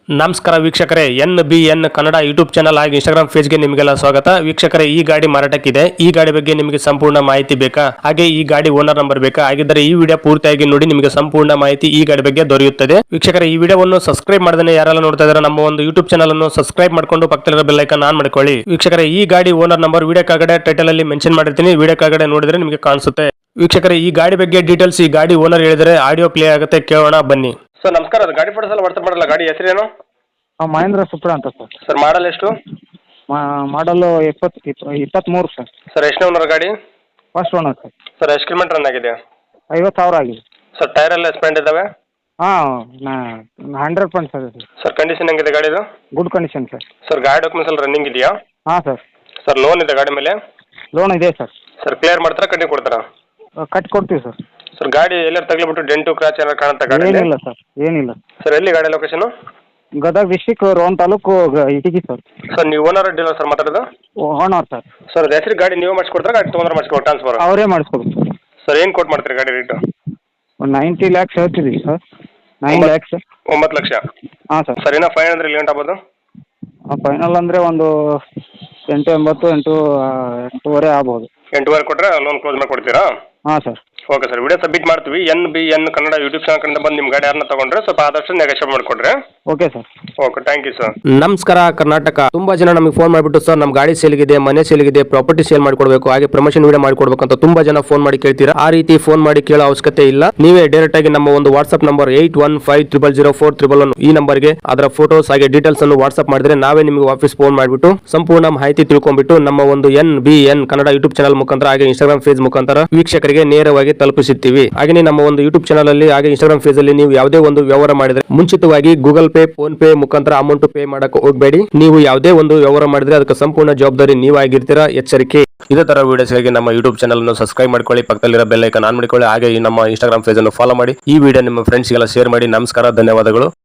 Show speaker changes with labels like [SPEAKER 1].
[SPEAKER 1] ನಮಸ್ಕಾರ ವೀಕ್ಷಕರೇ, NBN Kannada YouTube channel ಹಾಗೂ ಇನ್ಸ್ಟಾಗ್ರಾಮ್ ಪೇಜ್ಗೆ ನಿಮಗೆಲ್ಲ ಸ್ವಾಗತ. ವೀಕ್ಷಕರೇ, ಈ ಗಾಡಿ ಮಾರಾಟಕ್ಕಿದೆ. ಈ ಗಾಡಿ ಬಗ್ಗೆ ನಿಮಗೆ ಸಂಪೂರ್ಣ ಮಾಹಿತಿ ಬೇಕಾ? ಹಾಗೆ ಈ ಗಾಡಿ ಓನರ್ ನಂಬರ್ ಬೇಕಾ? ಹಾಗಿದ್ದರೆ ಈ ವಿಡಿಯೋ ಪೂರ್ತಿಯಾಗಿ ನೋಡಿ, ನಿಮಗೆ ಸಂಪೂರ್ಣ ಮಾಹಿತಿ ಈ ಗಾಡಿ ಬಗ್ಗೆ ದೊರೆಯುತ್ತದೆ. ವೀಕ್ಷಕರೇ, ಈ ವಿಡಿಯೋವನ್ನು ಸಬ್ಸ್ಕ್ರೈಬ್ ಮಾಡದೇ ಯಾರೆಲ್ಲ ನೋಡ್ತಾ ಇದ್ದಾರೆ ನಮ್ಮ ಒಂದು ಯೂಟ್ಯೂಬ್ ಚಾನಲ್ ಅನ್ನು ಸಬ್ಸ್ಕ್ರೈಬ್ ಮಾಡ್ಕೊಂಡು ಪಕ್ಕದಲ್ಲಿರೋ ಬೆಲ್ ಐಕಾನ್ ಆನ್ ಮಾಡ್ಕೊಳ್ಳಿ. ವೀಕ್ಷಕರೇ, ಈ ಗಾಡಿ ಓನರ್ ನಂಬರ್ ವಿಡಿಯೋ ಕೆಳಗಡೆ ಟೈಟಲ್ ಅಲ್ಲಿ ಮೆನ್ಷನ್ ಮಾಡಿರ್ತೀನಿ, ವಿಡಿಯೋ ಕೆಳಗಡೆ ನೋಡಿದ್ರೆ ನಿಮಗೆ ಕಾಣಿಸುತ್ತೆ. ವೀಕ್ಷಕರೇ, ಈ ಗಾಡಿ ಬಗ್ಗೆ ಡೀಟೇಲ್ಸ್ ಈ ಗಾಡಿ ಓನರ್ ಹೇಳಿದರೆ ಆಡಿಯೋ ಪ್ಲೇ ಆಗುತ್ತೆ, ಕೇಳೋಣ ಬನ್ನಿ. ಸರ್ ನಮಸ್ಕಾರ, ಅದು ಗಾಡಿ ಫೋಟೋಸ್ ಎಲ್ಲ ವಾಟ್ಸಪ್ ಮಾಡಲ್ಲ. ಗಾಡಿ ಹೆಸರೇನು?
[SPEAKER 2] ಮಹೇಂದ್ರ ಸುಪ್ರಾ ಅಂತ ಸರ್.
[SPEAKER 1] ಸರ್ ಮಾಡಲ್ ಎಷ್ಟು?
[SPEAKER 2] ಮಾಡಲು 23 ಸರ್.
[SPEAKER 1] ಸರ್ ಎಷ್ಟು ಓನರ್ ಗಾಡಿ?
[SPEAKER 2] First owner sir.
[SPEAKER 1] ಸರ್ ಎಷ್ಟು ಕಿಲೋಮೀಟರ್ ರನ್ ಆಗಿದೆ?
[SPEAKER 2] 50,000 ಆಗಿದೆ.
[SPEAKER 1] ಸರ್ ಟೈರ್ ಎಲ್ಲ ಸ್ಪೆಂಡ್ ಇದಾವೆ?
[SPEAKER 2] ಹಾಂ 100% ಸರ್.
[SPEAKER 1] ಸರ್ ಕಂಡೀಷನ್ ಹೆಂಗಿದೆ ಗಾಡಿದು?
[SPEAKER 2] Good condition sir.
[SPEAKER 1] ಸರ್ ಗಾಡಿ ಡಾಕ್ಯುಮೆಂಟ್ಸ್ ಎಲ್ಲ ರನ್ನಿಂಗ್ ಇದೆಯಾ?
[SPEAKER 2] ಹಾಂ ಸರ್.
[SPEAKER 1] ಸರ್ ಲೋನ್ ಇದೆ ಗಾಡಿ ಮೇಲೆ?
[SPEAKER 2] ಲೋನ್ ಇದೆ ಸರ್.
[SPEAKER 1] ಸರ್ ಕ್ಲಿಯರ್ ಮಾಡ್ತಾರಾ ಕಟ್ಟಿ ಕೊಡ್ತಾರಾ?
[SPEAKER 2] ಕಟ್ಟಿ ಕೊಡ್ತೀವಿ ಸರ್.
[SPEAKER 1] ಸರ್ ಗಾಡಿ ಎಲ್ಲರೂ ತಗಲಿಬಿಟ್ಟು ಡೆಂಟು ಕ್ರಾಚ್ ಏನಾರು ಕಾಣುತ್ತಾ ಗಾಡಿ?
[SPEAKER 2] ಏನಿಲ್ಲ ಸರ್, ಏನಿಲ್ಲ.
[SPEAKER 1] ಸರ್ ಎಲ್ಲಿ ಗಾಡಿ location?
[SPEAKER 2] Gadag district Ron taluk Itagi sir.
[SPEAKER 1] Sir ನೀವು ಓನರ್ ಡೀಲರ್ ಸರ್ ಮಾತಾಡೋದು?
[SPEAKER 2] Owner sir.
[SPEAKER 1] ಸರ್ ಅದು ಹೆಸರು ಗಾಡಿ ನೀವು ಮಾಡಿಸ್ಕೊಡ್ತಾರೆ, ಗಾಡಿ ತೊಗೊಂಡ್ರೆ ಮಾಡಿಸ್ಕೊಡ್ತಾರೆ ಟ್ರಾನ್ಸ್ಫರ್?
[SPEAKER 2] ಅವರೇ ಮಾಡಿಸ್ಕೊಡ್ತೀವಿ
[SPEAKER 1] ಸರ್. ಏನು ಕೊಟ್ಟು ಮಾಡ್ತೀರಿ ಗಾಡಿ ರೇಟು?
[SPEAKER 2] ಒಂದು 90 ಲ್ಯಾಕ್ಸ್ ಹೇಳ್ತಿದ್ದೀವಿ ಸರ್. 9 ಲ್ಯಾಕ್ಸ್.
[SPEAKER 1] 9 ಲಕ್ಷ?
[SPEAKER 2] ಹಾಂ ಸರ್.
[SPEAKER 1] ಸರ್ ಇನ್ನೂ ಫೈನ್ ಅಂದ್ರೆ ಇಲ್ಲಿ ಗಂಟೆ ಆಗ್ಬೋದು?
[SPEAKER 2] ಫೈನಲ್ ಅಂದರೆ ಒಂದು 8-8 ಆಗ್ಬೋದು.
[SPEAKER 1] 8.5 ಕೊಟ್ಟರೆ ಲೋನ್ ಕ್ಲೋಸ್ ಮಾಡಿ ಕೊಡ್ತೀರಾ?
[SPEAKER 2] ಹಾಂ sir.
[SPEAKER 1] Okay sir, video submit ಮಾಡ್ತೀವಿ. NBN ಕನ್ನಡ ಯೂಟ್ಯೂಬ್ ಚಾನಲ್ ಕಡೆಯಿಂದ ಬಂದು ನಿಮ್ಮ ಗಾಡಿ ಯಾರನ್ನ ತಗೊಂಡ್ರೆ ಸ್ವಲ್ಪ ಆದಷ್ಟು ನೆಗೋಷಿಯೇಟ್ ಮಾಡಿಕೊಡ್ರಿ.
[SPEAKER 2] Okay sir.
[SPEAKER 1] Okay, thank you sir.
[SPEAKER 3] ನಮಸ್ಕಾರ ಕರ್ನಾಟಕ. ತುಂಬಾ ಜನ ನಮಗೆ ಫೋನ್ ಮಾಡಿಬಿಟ್ಟು ಸರ್ ನಮ್ಮ ಗಾಡಿ ಸೇಲ್ಗಿದೆ, ಮನೆ ಸೇಲ್ಗಿದೆ, ಪ್ರಾಪರ್ಟಿ ಸೇಲ್ ಮಾಡ್ಕೊಡ್ಬೇಕು, ಹಾಗೆ ಪ್ರಮೋಷನ್ ವಿಡಿಯೋ ಮಾಡ್ಕೊಡ್ಬೇಕು ಅಂತ ತುಂಬಾ ಜನ ಫೋನ್ ಮಾಡಿ ಕೇಳ್ತೀರಾ. ಆ ರೀತಿ ಫೋನ್ ಮಾಡಿ ಕೇಳೋ ಅವಶ್ಯಕತೆ ಇಲ್ಲ. ನೀವೇ ಡೈರೆಕ್ಟ್ ಆಗಿ ನಮ್ಮ ಒಂದು ವಾಟ್ಸ್ಆಪ್ ನಂಬರ್ 81500411 ಈ ನಂಬರ್ಗೆ ಅದರ ಫೋಟೋಸ್ ಹಾಗೆ ಡೀಟೇಲ್ಸ್ ಅನ್ನು ವಾಟ್ಸ್ಆಪ್ ಮಾಡಿದ್ರೆ ನಾವೇ ನಿಮಗೆ ವಾಪಸ್ ಫೋನ್ ಮಾಡಿಬಿಟ್ಟು ಸಂಪೂರ್ಣ ಮಾಹಿತಿ ತಿಳ್ಕೊಂಡ್ಬಿಟ್ಟು ನಮ್ಮ ಒಂದು NBN ಕನ್ನಡ ಯೂಟ್ಯೂಬ್ ಚಾನಲ್ ಮುಖಾಂತರ ಹಾಗೆ ಇನ್ಸ್ಟಾಗ್ರಾಮ್ ಪೇಜ್ ಮುಖಾಂತರ ವೀಕ್ಷಕರಿಗೆ ನೇರವಾಗಿ ತಲುಪಿಸುತ್ತೀವಿ. ಹಾಗೆ ನಮ್ಮ ಒಂದು ಯೂಟ್ಯೂಬ್ ಚಾನಲ್ ಅಲ್ಲಿ ಹಾಗೆ ಇನ್ಸ್ಟಾಗ್ರಾಮ್ ಪೇಜ್ ಅಲ್ಲಿ ನೀವು ಯಾವುದೇ ಒಂದು ವ್ಯವಹಾರ ಮಾಡಿದ್ರೆ ಮುಂಚಿತವಾಗಿ ಗೂಗಲ್ ಪೇ, ಫೋನ್ ಪೇ ಮುಖಾಂತರ ಅಮೌಂಟ್ ಪೇ ಮಾಡಕ್ಕೆ ಹೋಗಬೇಡಿ. ನೀವು ಯಾವುದೇ ಒಂದು ವ್ಯವಹಾರ ಮಾಡಿದ್ರೆ ಅದಕ್ಕೆ ಸಂಪೂರ್ಣ ಜವಾಬ್ದಾರಿ ನೀವಾಗಿರ್ತೀರಾ, ಎಚ್ಚರಿಕೆ. ಇದೇ ತರ ವಿಡಿಯೋಸ್ಗಾಗಿ ನಮ್ಮ ಯೂಟ್ಯೂಬ್ ಚಾನಲ್ ಅನ್ನು ಸಬ್ಸ್ಕ್ರೈಬ್ ಮಾಡ್ಕೊಳ್ಳಿ, ಪಕ್ಕದಲ್ಲಿರೋ ಬೆಲ್ ಐಕಾನ್ ಆನ್ ಮಾಡ್ಕೊಳ್ಳಿ, ಹಾಗೆ ನಮ್ಮ ಇನ್ಸ್ಟಾಗ್ರಾಮ್ ಪೇಜ್ ಅನ್ನು ಫಾಲೋ ಮಾಡಿ. ಈ ವಿಡಿಯೋ ನಿಮ್ಮ ಫ್ರೆಂಡ್ಸ್ಗೆಲ್ಲ ಶೇರ್ ಮಾಡಿ. ನಮಸ್ಕಾರ, ಧನ್ಯವಾದಗಳು.